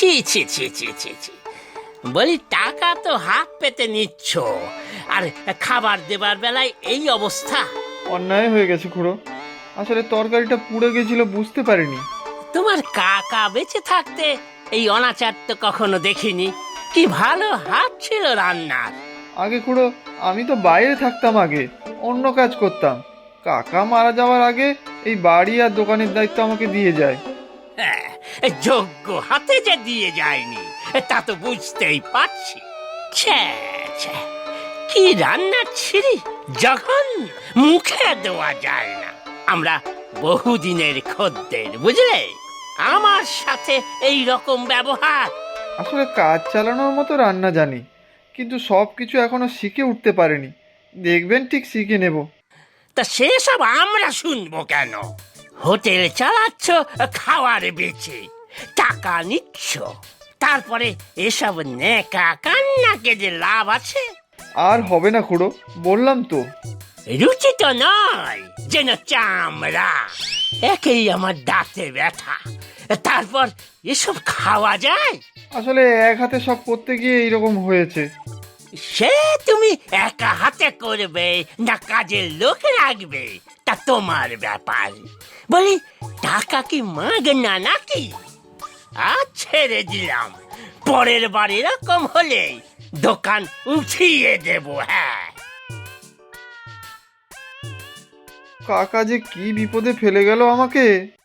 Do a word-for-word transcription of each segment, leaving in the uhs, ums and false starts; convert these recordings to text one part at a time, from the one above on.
ছি ছি ছি ছি ছি ছি বলি, টাকা তো হাত পেতে নিচ্ছ, আর খাবার দেবার বেলায় এই অবস্থা। অন্যায় হয়ে গেছে খুড়ো, আসলে তরকারিটা পুড়ে গেছিল, বুঝতে পারিনি। তোমার কাকা বেঁচে থাকতে এই অনাচার তো কখনো দেখিনি। কি ভালো হাত ছিল রান্নার। আগে খুড়ো আমি তো বাইরে থাকতাম, আগে অন্য কাজ করতাম। কাকা মারা যাওয়ার আগে এই বাড়ি আর দোকানের দায়িত্ব আমাকে দিয়ে যায়। হ্যাঁ, যোগ্য হাতে যে দিয়ে যায়নি তা তো বুঝতেই পারছি। ছ্যা, ছ্যা, কি রান্না ছিরি, যখন মুখে দেওয়া যায় না। আমরা বহুদিনের খদ্দের, বুঝলে, আমার সাথে এই রকম ব্যবহার। আসলে কাজ চালানোর মতো রান্না জানি, কিন্তু সব কিছু এখনো শিখে উঠতে পারিনি। দেখবেন ঠিক শিখে নেব। তা সেসব আমরা শুনবো কেন? হোটেল চালাচ্ছ খাওয়ার বেচে, টাকা নিচ্ছ, তারপরে এসব নেকা কান্নাকে যে লাভ আছে? আর হবে না খুড়ো, বললাম তো। রুচি তো নয়, যেন চামড়া। একেই আমার দাঁতে ব্যথা, তারপর এসব খাওয়া যায়? আসলে এক হাতে সব করতে গিয়ে এইরকম হয়েছে। সে তুমি একা হাতে করবে না কাজের লোক রাখবে, তা তোমার ব্যাপার। বলি, টাকা কি মাগনা নাকি? আজ ছেড়ে দিলাম, পরের বার এরকম হলে দোকান উঠিয়ে দেব। হ্যাঁ, কাকা যে কি বিপদে ফেলে গেল আমাকে।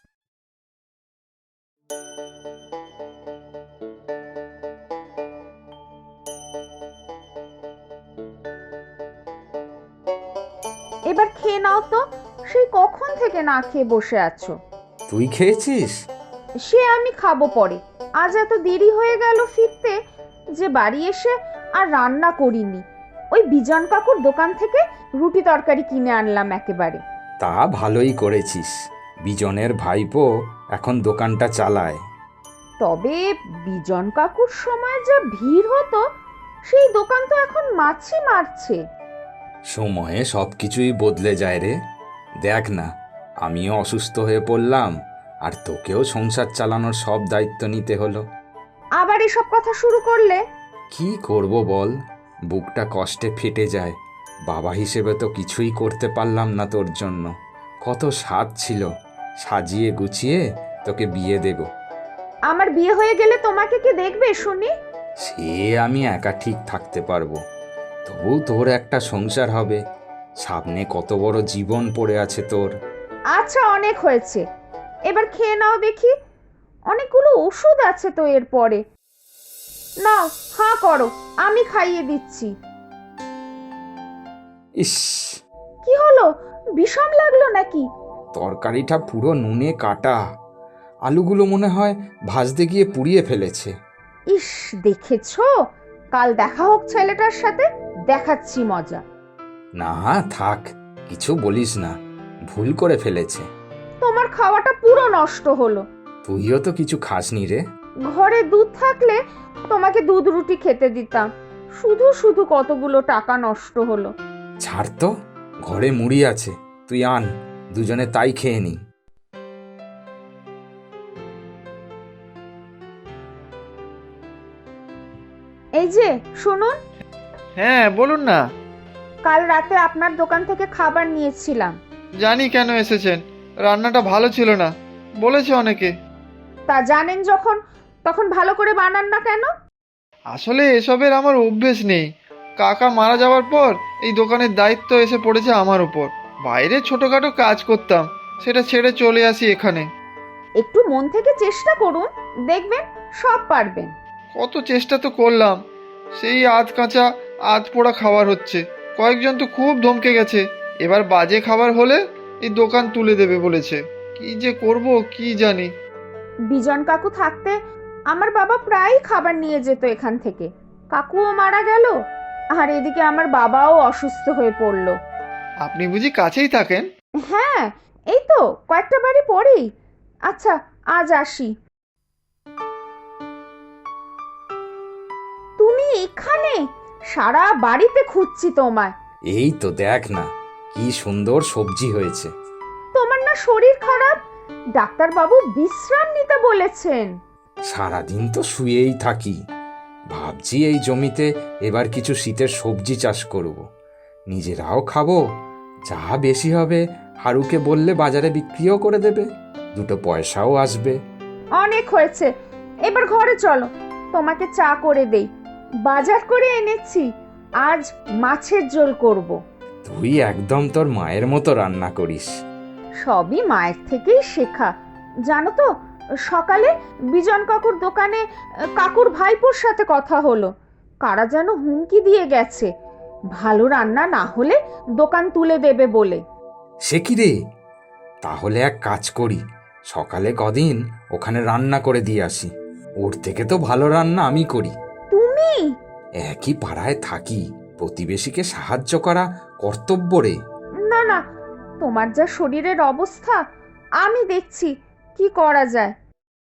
এবার খেয়ে নাও তো, সেই কখন থেকে না খেয়ে বসে আছো। তুই খেয়েছিস? সে আমি খাবো পরে, আজ এত দেরি হয়ে গেল ফিরতে যে বাড়ি এসে আর রান্না করিনি। ওই বিজন কাকুর দোকান থেকে রুটি তরকারি কিনে আনলাম একেবারে। তা ভালোই করেছিস, বিজনের ভাইপো এখন দোকানটা চালায়। তবে বিজন কাকুর সময় যা ভিড় হতো, সেই দোকান তো এখন মাছি মারছে। সময়ে সব কিছুই বদলে যায় রে। দেখ না, আমিও অসুস্থ হয়ে পড়লাম, আর তোকেও সংসার চালানোর সব দায়িত্ব নিতে হলো। আবার এসব কথা শুরু করলে? কি করব বল, বুকটা কষ্টে ফেটে যায়। বাবা হিসেবে তো কিছুই করতে পারলাম না তোর জন্য। কত স্বাদ ছিল, সাজিয়ে গুছিয়ে তোকে বিয়ে দেব। আমার বিয়ে হয়ে গেলে তোমাকে কে দেখবে শুনি? সে আমি একা ঠিক থাকতে পারবো, তবু তোর একটা সংসার হবে। সামনে কত বড় জীবন পড়ে আছে তোর। আচ্ছা, অনেক হয়েছে, এবার খেয়ে নাও দেখি। অনেকগুলো ওষুধ আছে তো এর পরে। নাও, হাঁ করো, আমি খাইয়ে দিচ্ছি। ইস, কি হলো, বিষম লাগলো নাকি? তরকারিটা পুরো নুনে কাটা, আলুগুলো মনে হয় ভাজতে গিয়ে পুড়িয়ে ফেলেছে। ইস, দেখেছো, কাল দেখা হোক ছেলেটার সাথে, দেখাচ্ছি মজা। না থাক, কিছু বলিস না, ভুল করে ফেলেছে। তোমার খাওয়াটা পুরো নষ্ট হলো। তুইও তো কিছু খাসনি রে। ঘরে দুধ থাকলে তোমাকে দুধ রুটি খেতে দিতাম, শুধু শুধু কতগুলো টাকা নষ্ট হলো। ছাড় তো, ঘরে মুড়ি আছে, তুই আন, দুজনে তাই খেয়ে নি। এই যে শুনুন, হ্যাঁ বলুন না। কাল রাতে আপনার দোকান থেকে খাবার নিয়েছিলাম। জানি কেন এসেছেন, রান্নাটা ভালো ছিল না বলেছে অনেকে। তা জানেন যখন, তখন ভালো করে বানান না কেন? আসলে এসবের আমার অভ্যেস নেই। কাকা মারা যাওয়ার পর এই দোকানের দায়িত্ব এসে পড়েছে আমার উপর। বাইরে ছোটোখাটো কাজ করতাম, সেটা ছেড়ে চলে আসি এখানে। একটু মন থেকে চেষ্টা করুন, দেখবেন সব পারবেন। কত চেষ্টা তো করলাম, সেই আধ কাঁচা আধ পোড়া খাবার হচ্ছে। কয়েকজন তো খুব ধমকে গেছে, এবার বাজে খাবার হলে এই দোকান তুলে দেবে বলেছে। কি যে করব কি জানি। বিজন কাকু থাকতে আমার বাবা প্রায় খাবার নিয়ে যেত এখান থেকে। কাকুও মারা গেল, আর এদিকে আমার বাবাও অসুস্থ হয়ে পড়ল। আপনি বুঝি কাছেই থাকেন? হ্যাঁ, এই তো কয়েকটা বাড়ি পরেই। আচ্ছা, আজ আসি। তুমি এখানে? সারা বাড়িতে খুঁজছি তোমায়। এই তো দেখ না, কি সুন্দর সবজি হয়েছে। তোমার না শরীর খারাপ? ডাক্তারবাবু বিশ্রাম নিতে বলেছেন। সারাদিন তো শুয়েই থাকি। ভাবছি এই জমিতে এবার কিছু শীতের সবজি চাষ করব। নিজেরাও খাবো, যা বেশি হবে হারুকে বললে বাজারে বিক্রিও করে দেবে, দুটো পয়সাও আসবে। অনেক হয়েছে, এবার ঘরে চলো, তোমাকে চা করে দেই। বাজার করে এনেছি, আজ মাছের ঝোল করব। তুই একদম তোর মায়ের মতো রান্না করিস। সবই মায়ের থেকেই শেখা। জানো তো, সকালে বিজন কাকুর দোকানে আহ, কাকুর ভাইপোর সাথে কথা হলো। কারা যেন হুমকি দিয়ে গেছে, ভালো রান্না না হলে দোকান তুলে দেবে বলে। সে কি রে? তাহলে এক কাজ করি, সকালে কদিন ওখানে রান্না করে দিয়ে আসি। ওর থেকে তো ভালো রান্না আমি করি। তুমি? একই পাড়ায় থাকি, প্রতিবেশীকে সাহায্য করা কর্তব্য রে। না না, তোমার যা শরীরের অবস্থা, আমি দেখছি কি করা যায়।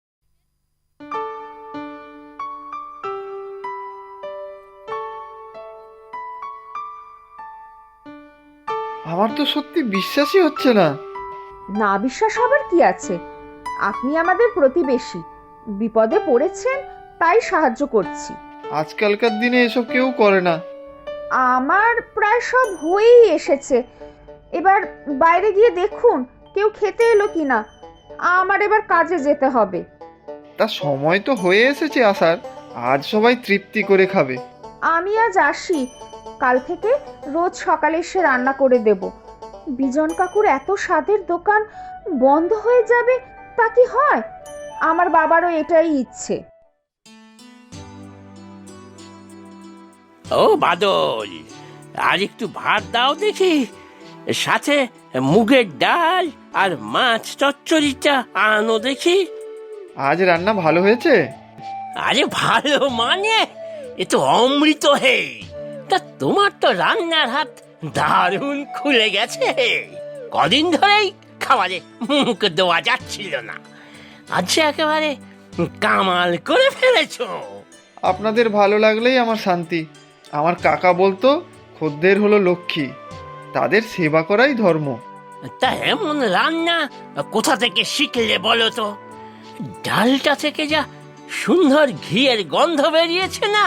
আমার তো সত্যি বিশ্বাসই হচ্ছে না। না বিশ্বাস হবার কি আছে? আপনি আমাদের প্রতিবেশী, বিপদে পড়েছেন তাই সাহায্য করছি। আজকালকার দিনে এসব কেউ করে না। আমার প্রায় সব হয়েই এসেছে। এবার বাইরে গিয়ে দেখুন কেউ খেতে এলো কিনা। আমার এবার কাজে যেতে হবে। তা সময় তো হয়ে এসেছে আসার, আজ সবাই তৃপ্তি করে খাবে। আমি আজ আসি, কাল থেকে রোজ সকালে এসে রান্না করে দেব। বিজন কাকুর এত স্বাদের দোকান বন্ধ হয়ে যাবে তা কি হয়? আমার বাবারও এটাই ইচ্ছে। ও বাদল, আর একটু ভাত দাও দেখি, সাথে মুগের ডাল আর মাছ চচ্চড়িটা আনো দেখি। আজ রান্না ভালো হয়েছে? আরে ভালো মানে, এ তো অমৃত হে। তা তোমার তো রান্নার হাত দারুণ খুলে গেছে। কদিন ধরেই খাবারে মুখ দেওয়া যাচ্ছিল না, আজ সে একেবারে কামাল করে ফেলেছো। আপনাদের ভালো লাগলেই আমার শান্তি। আমার কাকা বলতো, খদ্দের হলো লক্ষ্মী, তাদের সেবা করাই ধর্ম। তা এমন রান্না কোথা থেকে শিখলে বলো তো? ডালটা থেকে যা সুন্দর ঘিয়ের গন্ধ বেরিয়েছে না।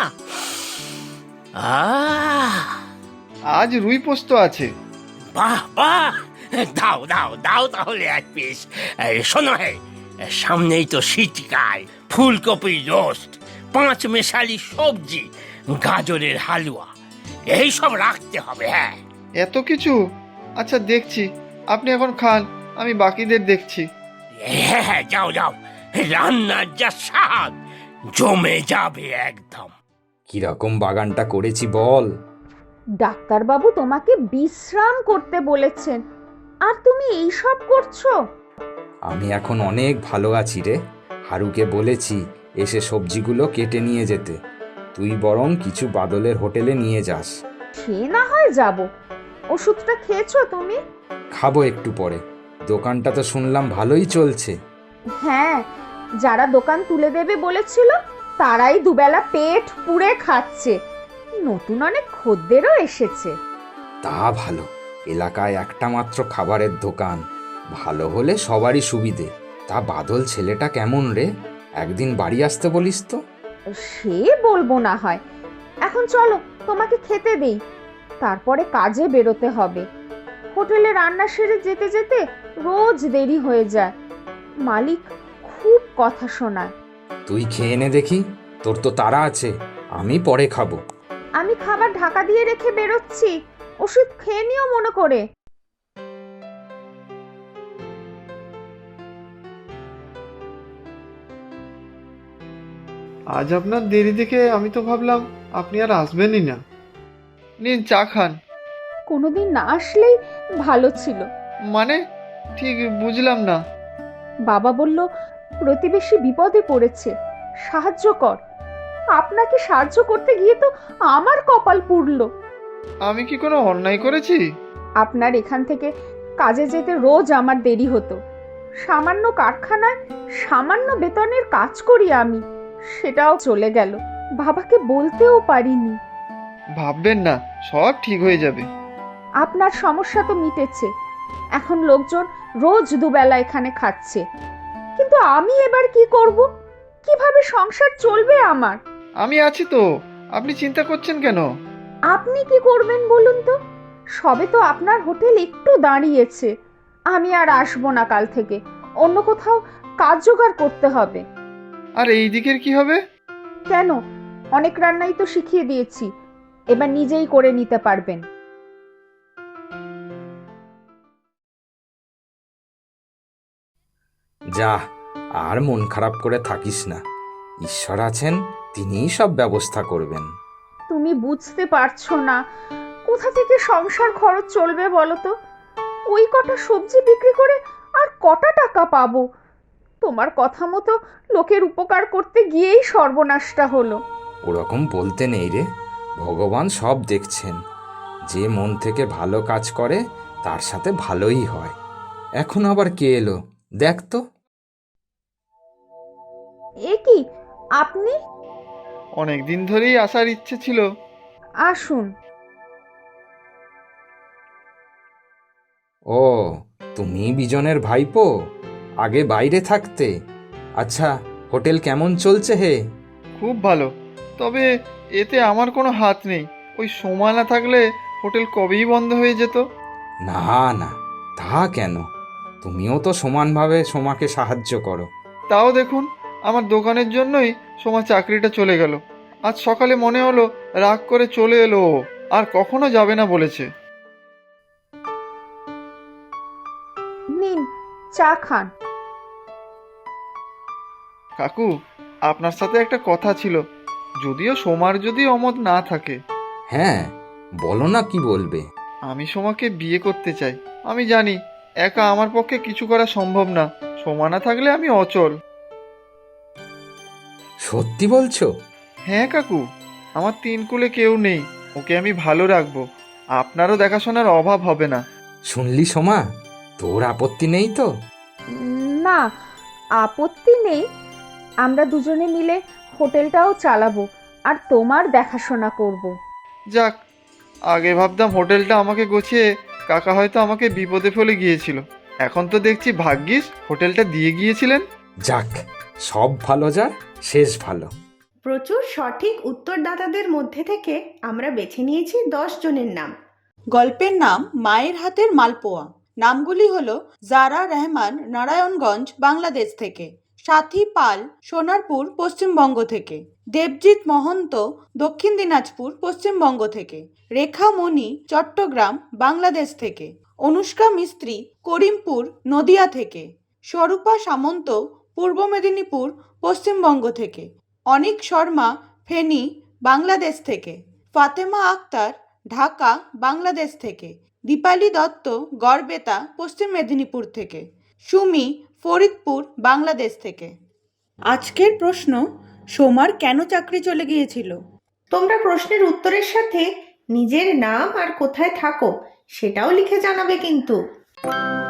আহ, আজ রুই পোস্ত আছে। বাহ বাহ, দাও দাও দাও তাহলে এক পিস। এই, শোনো হে, সামনেই তো শীতকাল, ফুলকপি রোস্ট, পাঁচ মেশালি সবজি, গাজরের হালুয়া, এই সব রাখতে হবে। হ্যাঁ এত কিছু? আচ্ছা দেখছি, আপনি এখন খান, আমি বাকিদের দেখছি। হ্যাঁ হ্যাঁ, যাও যাও, রান্নার যা স্বাদ জমে যাবে একদম। কিরকম বাগানটা করেছি বল? ডাক্তারবাবু তোমাকে বিশ্রাম করতে বলেছেন, আর তুমি এই সব করছো? আমি এখন অনেক ভালো আছি রে। হারুকে বলেছি এসে সবজিগুলো কেটে নিয়ে যেতে, তুই বরং কিছু বাদলের হোটেলে নিয়ে যাস। সে না হয় যাব। ওষুধটা খেয়েছো তুমি? খাবো একটু পরে। দোকানটা তো শুনলাম ভালোই চলছে। হ্যাঁ, যারা দোকান তুলে দেবে বলেছিল তারাই দুবেলা পেট পুড়ে খাচ্ছে। নতুন অনেক খদ্দেরও এসেছে। তা ভালো, এলাকায় একটা মাত্র খাবারের দোকান, ভালো হলে সবারই সুবিধে। তা বাদল ছেলেটা কেমন রে? একদিন বাড়ি আসতে বলিস তো। সে বলবো না হয়। এখন চলো তোমাকে খেতে দেই, তারপরে কাজে বেরোতে হবে। হোটেলে রান্না সেরে যেতে যেতে রোজ দেরি হয়ে যায়। মালিক খুব কথা শোনায়। তুই খেয়ে নে দেখি, তোর তো তাড়া আছে, আমি পরে খাবো। আমি খাবার ঢাকা দিয়ে রেখে বেরোচ্ছি, ওষুধ খেয়ে নিও মনে করে। আজ আপনার দেরি দেখে আমি তো ভাবলাম আপনি আর আসবেনই না। নিন চা খান। কোনোদিন না আসলেই ভালো ছিল। মানে ঠিক বুঝলাম না। বাবা বলল প্রতিবেশী বিপদে পড়েছে, সাহায্য কর। আপনাকে সাহায্য করতে গিয়ে তো আমার কপাল পুড়ল। আমি কি কোনো অন্যায় করেছি? আপনার এখান থেকে কাজে যেতে রোজ আমার দেরি হতো। সামান্য কারখানায় সামান্য বেতনের কাজ করি আমি, সেটাও চলে গেল। বাবাকে বলতেও পারিনি। ভাববেন না, সব ঠিক হয়ে যাবে। আপনার সমস্যা তো মিটেছে, এখন লোকজন রোজ দুবেলা এখানে খাচ্ছে, কিন্তু আমি এবার কি করব? কিভাবে সংসার চলবে আমার? আমি আছি তো, আপনি চিন্তা করছেন কেন? আপনি কি করবেন বলুন তো? সবে তো আপনার হোটেল একটু দাঁড়িয়েছে। আমি আর আসবো না কাল থেকে, অন্য কোথাও কাজ জোগাড় করতে হবে। আর এই দিকের কি হবে? কেন, অনেক রান্নাই তো শিখিয়ে দিয়েছি, এবার নিজেই করে নিতে পারবেন। যা, আর মন খারাপ করে থাকিস না। ঈশ্বর আছেন, তিনিই সব ব্যবস্থা করবেন। তুমি বুঝতে পারছো না কোথা থেকে সংসার খরচ চলবে বলো তো? ওই কটা সবজি বিক্রি করে আর কটা টাকা পাবো? তোমার কথা মতো লোকের উপকার করতে গিয়েই সর্বনাশটা হলো। ওরকম বলতে নেই রে, ভগবান সব দেখছেন। যে মন থেকে ভালো কাজ করে তার সাথে ভালোই হয়। এখন আবার কে এলো দেখ তো। এ কি, আপনি? অনেক দিন ধরেই আসার ইচ্ছে ছিল। আসুন। ও, তুমি বিজনের ভাইপো? আগে বাইরে থাকতে। আচ্ছা, হোটেল কেমন চলছে হে? খুব ভালো, তবে এতে আমার কোনো হাত নেই। ওই সময় না থাকলে হোটেল কবেই বন্ধ হয়ে যেত। না না, তা কেন? তুমিও তো সমানভাবে সোমাকে সাহায্য করো। তাও দেখুন, আমার দোকানের জন্যই সোমা চাকরিটা চলে গেল। আজ সকালে মনে হলো রাগ করে চলে এলো ও, আর কখনো যাবে না বলেছে। নিন, চা খান। কাকু, আপনার সাথে একটা কথা ছিল, যদিও সোমার যদি অমত না থাকে। হ্যাঁ, বলো না, কি বলবে? আমি সোমাকে বিয়ে করতে চাই। আমি জানি একা আমার পক্ষে কিছু করা সম্ভব না, সোমা না থাকলে আমি অচল। সত্যি বলছো? হ্যাঁ কাকু, আমার তিন কুলে কেউ নেই, ওকে আমি ভালো রাখবো। আপনারও দেখাশোনার অভাব হবে না। শুনলি সোমা, তোর আপত্তি নেই তো? না, আপত্তি নেই। আমরা দুজনে মিলে হোটেলটাও চালাবো আর তোমার দেখাশোনা করব। যাক, আগে ভাবতাম হোটেলটা আমাকে গোছিয়ে কাকা হয়তো আমাকে বিপদে ফেলে গিয়েছিল। এখন তো দেখছি ভাগ্যিস হোটেলটা দিয়ে গিয়েছিলেন। যাক, সব ভালো যার শেষ ভালো। প্রচুর সঠিক উত্তরদাতাদের মধ্যে থেকে আমরা বেছে নিয়েছি দশ জনের নাম। গল্পের নাম মায়ের হাতের মালপোয়া। নামগুলি হলো জারা রহমান, নারায়ণগঞ্জ, বাংলাদেশ থেকে; সাথী পাল, সোনারপুর, পশ্চিমবঙ্গ থেকে; দেবজিৎ মহন্ত, দক্ষিণ দিনাজপুর, পশ্চিমবঙ্গ থেকে; রেখা মণি, চট্টগ্রাম, বাংলাদেশ থেকে; অনুষ্কা মিস্ত্রি, করিমপুর, নদিয়া থেকে; স্বরূপা সামন্ত, পূর্ব মেদিনীপুর, পশ্চিমবঙ্গ থেকে; অনিক শর্মা, ফেনী, বাংলাদেশ থেকে; ফাতেমা আক্তার, ঢাকা, বাংলাদেশ থেকে; দীপালি দত্ত, গড়বেতা, পশ্চিম মেদিনীপুর থেকে; সুমি, ফরিদপুর, বাংলাদেশ থেকে। আজকের প্রশ্ন: সোমার কেন চাকরি চলে গিয়েছিল? তোমরা প্রশ্নের উত্তরের সাথে নিজের নাম আর কোথায় থাকো সেটাও লিখে জানাবে কিন্তু।